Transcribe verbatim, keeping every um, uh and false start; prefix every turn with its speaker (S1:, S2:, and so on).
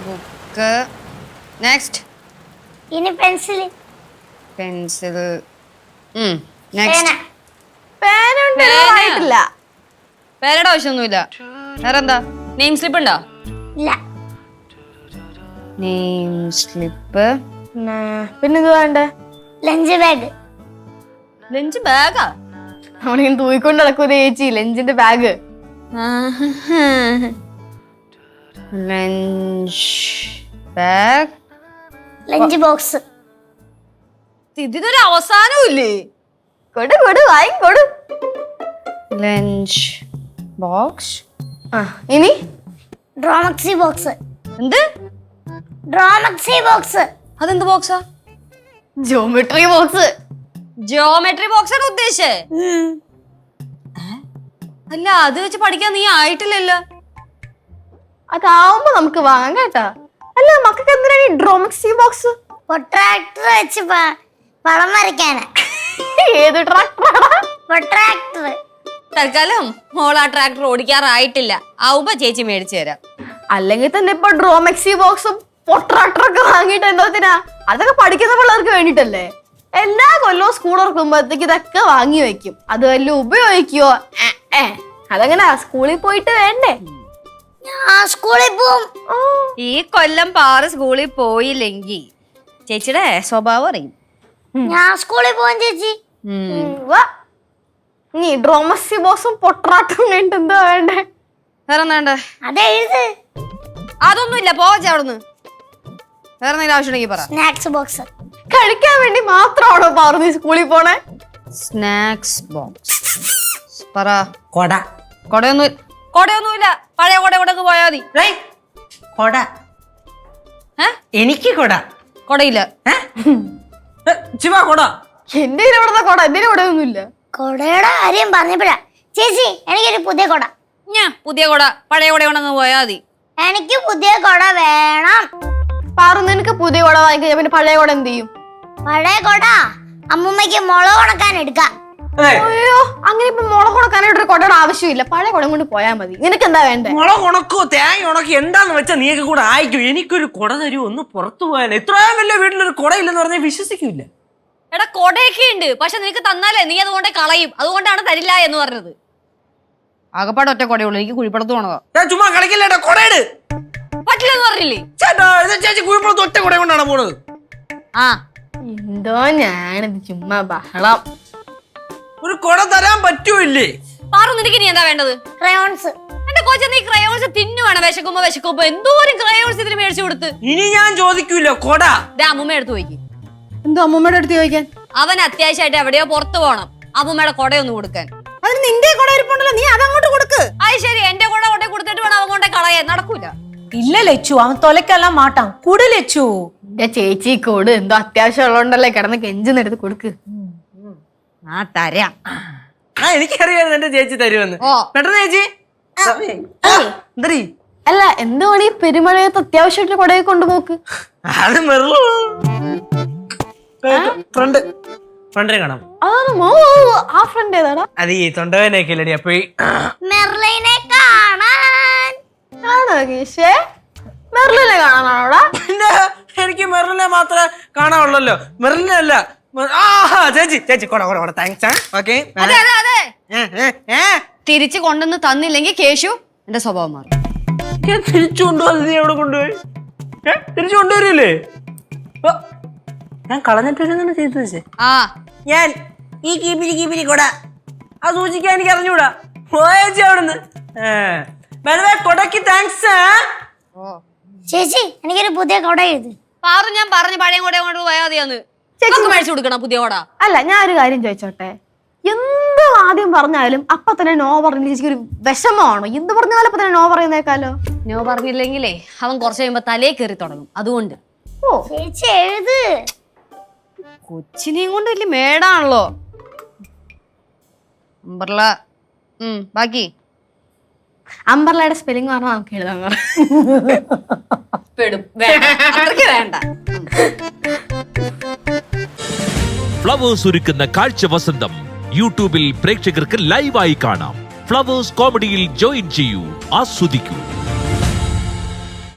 S1: Book. Next.
S2: ഇനി pencil.
S1: Pencil.
S3: പേനായിട്ടില്ല.
S1: പേനയുടെ ആവശ്യമൊന്നുമില്ല. വേറെന്താ? നെയിം സ്ലിപ്പ് ഉണ്ടോ?
S2: ഇല്ല.
S1: Name slip.
S3: പിന്നെന്ത് വേണ്ടേ?
S2: Lunch bag.
S1: ലഞ്ച് ബാഗാ?
S3: നമ്മളിങ്ങനെ തൂയിക്കൊണ്ട് നടക്കൂല ചേച്ചി ലഞ്ചിന്റെ bag.
S1: Lunch bag.
S2: Lunch box.
S1: ഇതിനൊരു അവസാനവും ഇല്ലേ?
S3: കൊടു കൊടു വായി കൊടു.
S1: Lunch box.
S3: ആ ഇനി
S2: ഡ്രോമക്സി ബോക്സ്.
S1: എന്ത്?
S2: ഡ്രോമക്സി ബോക്സ്.
S1: അതെന്ത് ബോക്സാ?
S3: Geometry box.
S1: ജിയോമെട്രി ബോക്സ് ആണ് ഉദ്ദേശിച്ചേ? അല്ല അത് വെച്ച് പഠിക്കാൻ നീ ആയിട്ടില്ലല്ലോ.
S3: അതാവുമ്പോ നമുക്ക് വാങ്ങാം കേട്ടാ. അല്ല മക്കൾക്ക് എന്തിനാണ് ഈ ഡ്രോമക്സി ബോക്സ്?
S2: പൊട്രാക്ടർ വെച്ച് പടം വരയ്ക്കാനാ.
S3: ഏത് ട്രാക്ടറാണ്?
S2: പൊട്രാക്ടർ.
S1: തൽക്കാലം മോൾ ആ ട്രാക്ടർ ഓടിക്കാറായിട്ടില്ല. ആവുമ്പോ ചേച്ചി മേടിച്ചു തരാം.
S3: അല്ലെങ്കിൽ തന്നെ ഇപ്പൊ ഡ്രോമക്സി ബോക്സും പൊട്രാക്ടറൊക്കെ വാങ്ങിയിട്ട് എന്തോത്തിനാ? അതൊക്കെ പഠിക്കുന്ന പിള്ളേർക്ക് വേണ്ടിട്ടല്ലേ. എല്ലാ കൊല്ലവും സ്കൂൾ തുറക്കുമ്പോഴത്തേക്ക് ഇതൊക്കെ വാങ്ങി വെക്കും. അത് വല്ല ഉപയോഗിക്കുവോ? അതങ്ങനെ സ്കൂളിൽ പോയിട്ട് വേണ്ടേ?
S2: സ്കൂളിൽ പോവും.
S1: ഈ കൊല്ലം പാറ് സ്കൂളിൽ പോയില്ലെങ്കിൽ ചേച്ചിയുടെ സ്വഭാവം അറിയും.
S2: ഞാൻ സ്കൂളിൽ പോവാൻ ചേച്ചി.
S3: നീ ഡ്രോമക്സി ബോക്സും പൊട്രാക്ടറും വേണ്ട എന്താ വേണ്ടേ?
S1: വേറെ വേണ്ടേ?
S2: അതെഴുത്.
S1: അതൊന്നുമില്ല, പോവാ അവിടുന്ന്. വേറെ എന്തെങ്കിലും ആവശ്യമുണ്ടെങ്കിൽ പറ.
S2: Snacks box.
S3: കഴിക്കാൻ വേണ്ടി മാത്രമാണോ പറഞ്ഞു സ്കൂളിൽ പോണേ?
S1: സ്നാക്സ് ബോക്സ് പറ.
S4: കൊട.
S1: കൊടയൊന്നും കൊടയൊന്നുമില്ല. പഴയ കൊട കൊടക്ക് പോയാ മതി.
S4: കൊട. എനിക്ക് കൊട.
S1: കൊടയില്ല.
S4: ശിവ കൊട.
S3: എന്റെ ഇവിടുത്തെ കൊട. എന്റെ കൊടയൊന്നുമില്ല.
S2: കൊടയുടെ കാര്യം പറഞ്ഞപ്പോഴാ ചേച്ചി എനിക്കൊരു പുതിയ കൊട.
S1: ഞാൻ പുതിയ കൊട പഴയ കൊട കൊണ്ടങ്ങ് പോയാ മതി.
S2: എനിക്ക് പുതിയ കൊട വേണം.
S3: പറഞ്ഞു നിനക്ക് പുതിയ കൊട വാങ്ങിക്കഴിഞ്ഞാ പിന്നെ പഴയ കൊട എന്ത് ചെയ്യും?
S2: പഴയ കൊട അമ്മൂമ്മക്ക് മുളക് ഉണക്കാൻ എടുക്കാം.
S3: അയ്യോ അങ്ങനെ ഇപ്പൊ മുളക് ഉണക്കാനായിട്ട് ഒരു കൊടയുടെ ആവശ്യമില്ല. പഴയ കുടം കൊണ്ട് പോയാൽ മതി. നിനക്ക് എന്താ വേണ്ടേ?
S4: മുളക് ഉണക്കോ തേങ്ങ ഉണക്കോ എന്താന്ന് വെച്ചാൽ നീയൊക്കെ കൂടെ അയക്കും. എനിക്കൊരു കൊട തരൂ, ഒന്ന് പുറത്തു പോയാൽ. ഇത്രയും വലിയ വീട്ടിലൊരു കൊട ഇല്ലെന്ന് പറഞ്ഞാൽ വിശ്വസിക്കൂല.
S1: എടാ കൊടയൊക്കെ ഉണ്ട്, പക്ഷെ നിനക്ക് തന്നാലേ നീ അതുകൊണ്ട് കളയും. അതുകൊണ്ടാണ് തരില്ല എന്ന് പറഞ്ഞത്. ആകപ്പാട് ഒറ്റ കൊടയുള്ളൂ. എനിക്ക് കുഴിപ്പടത്ത് പോണതാ.
S4: ചുമ്മാ കളിക്കില്ലേട്ടാ, കൊടയിട്.
S1: പറ്റില്ലെന്ന് പറഞ്ഞില്ലേ
S4: ചേച്ചി? കുഴിപ്പടത്ത് ഒറ്റ കൊട കൊണ്ടാണ് പോണത്.
S1: ആ
S3: എന്തോ ഞാനിത് ചുമ്മാ ബഹളം.
S4: ഒരു കൊട തരാൻ പറ്റൂല്ലേ?
S1: പാറു നിനക്ക് നീ എന്താ വേണ്ടത്?
S2: ക്രയോൺസ്.
S1: എന്റെ കോച്ച നീ ക്രയോൺസ് തിന്നുവാണ്. വിശക്കുമ്പോ വിശക്കുമ്പോ എന്തോരം ക്രയോൺസ് ഇതിന് മേടിച്ചു കൊടുത്ത്.
S4: ഇനി ഞാൻ ചോദിക്കൂല കൊട.
S1: അമ്മൂമ്മ എടുത്ത് പോയിക്ക്.
S3: എന്തോ അമ്മൂമ്മയുടെ അടുത്ത് ചോദിക്കാൻ?
S1: അവൻ അത്യാവശ്യമായിട്ട് എവിടെയോ പുറത്തു പോണം. അമ്മൂമ്മയുടെ കൊടയൊന്ന് കൊടുക്കാൻ.
S3: അതിന് നിന്റെ കൊട ഇരിപ്പുണ്ടല്ലോ, നീ അതങ്ങോട്ട് കൊടുക്ക്.
S1: അത് ശരി, എന്റെ കൊട കൊണ്ടേ കൊടുത്തിട്ട് വേണം അവൻ കൊണ്ടേ കളയാൻ. നടക്കൂല.
S5: இல்ல லெச்சு, அவன் தொலைக்கலாம் மாட்டான். குடு லெச்சு.
S3: എന്റെ ചേച്ചി കോട് എന്തോ അത്യാവശ്യം ഉള്ളതുകൊണ്ടല്ലേ കിടന്ന് കെഞ്ചിന്നെടുത്ത് കൊടുക്ക്.
S1: ആ തരാം.
S4: ആ എനിക്കറിയായിരുന്നു എന്റെ ചേച്ചി തരുമെന്ന്. പെട്ടെന്ന് ചേച്ചി.
S3: അല്ല എന്തുവാണ് ഈ പെരുമഴയത്ത് അത്യാവശ്യമായിട്ട് കൊടയെ കൊണ്ടുപോക്ക്?
S4: അത് ഫ്രണ്ട് ഫ്രണ്ടിനെ കാണാം.
S3: ആ ഫ്രണ്ട് ഏതാടാ?
S4: അത് ഈ തൊണ്ടവേനൊക്കെ ഇല്ലടി. അപ്പൊ
S2: മെർലിനെ കാണാൻ
S3: ആണോ കേശേ? മെർലിനെ കാണാനാണോടാ?
S4: പിന്നെ എനിക്ക് മെറിലിനെ മാത്രമേ കാണാനുള്ളല്ലോ. മെറിലിനെ അല്ല. ചേച്ചി ചേച്ചി കൊട കൊട കൊട താങ്ക്സ്. ഓക്കെ
S1: തിരിച്ചു കൊണ്ടുവന്ന് തന്നില്ലെങ്കിൽ കേശു എന്റെ സ്വഭാവം മാറും.
S4: തിരിച്ചു കൊണ്ടുപോയി നീ എവിടെ കൊണ്ടുപോയി? തിരിച്ചു കൊണ്ടുവരില്ലേ? ഞാൻ കളഞ്ഞിട്ട് ചെയ്തു വെച്ചേ.
S1: ആ
S4: ഞാൻ ഈ കീപ്പിരി കീപ്പിരി കൊട ആ സൂചിക്കാൻ എനിക്ക് അറിഞ്ഞൂടാ. പോയേച്ചി അവിടുന്ന്. കൊടക്ക് താങ്ക്സ്.
S2: ചേച്ചി എനിക്കൊരു പുതിയ കൊട എഴുതി.
S1: പാറു ഞാൻ പറഞ്ഞു പഴയ കൊട കൊണ്ട് പോയാൽ മതിയാന്ന്. മേടിച്ചു കൊടുക്കണം പുതിയ കൊട.
S3: അല്ല ഞാൻ ഒരു കാര്യം ചോദിച്ചോട്ടെ, എന്ത് ആദ്യം പറഞ്ഞാലും അപ്പൊ തന്നെ നോ പറഞ്ഞ ചേച്ചിക്ക് ഒരു വിഷമമാണോ? എന്ത് പറഞ്ഞാലും അപ്പൊ തന്നെ നോ പറയുന്നേക്കാലോ.
S1: നോ പറഞ്ഞില്ലെങ്കിലേ അവൻ കുറച്ച് കഴിയുമ്പോ തലേ കയറി തുടങ്ങും. അതുകൊണ്ട്
S2: ഓ ചേച്ചി എഴുത്.
S1: കൊച്ചിനെയും കൊണ്ട് വലിയ മേടാണല്ലോ. അംബർല. ഉം ബാക്കി
S3: അംബർലയുടെ സ്പെല്ലിംഗ് പറഞ്ഞാൽ നമുക്ക് എഴുതാൻ
S1: വേണ്ട.
S6: ഫ്ലവേഴ്സ് ഒരുക്കുന്ന കാഴ്ച വസന്തം യൂട്യൂബിൽ പ്രേക്ഷകർക്ക് ലൈവായി കാണാം. ഫ്ലവേഴ്സ് കോമഡിയിൽ ജോയിൻ ചെയ്യൂ, ആസ്വദിക്കൂ.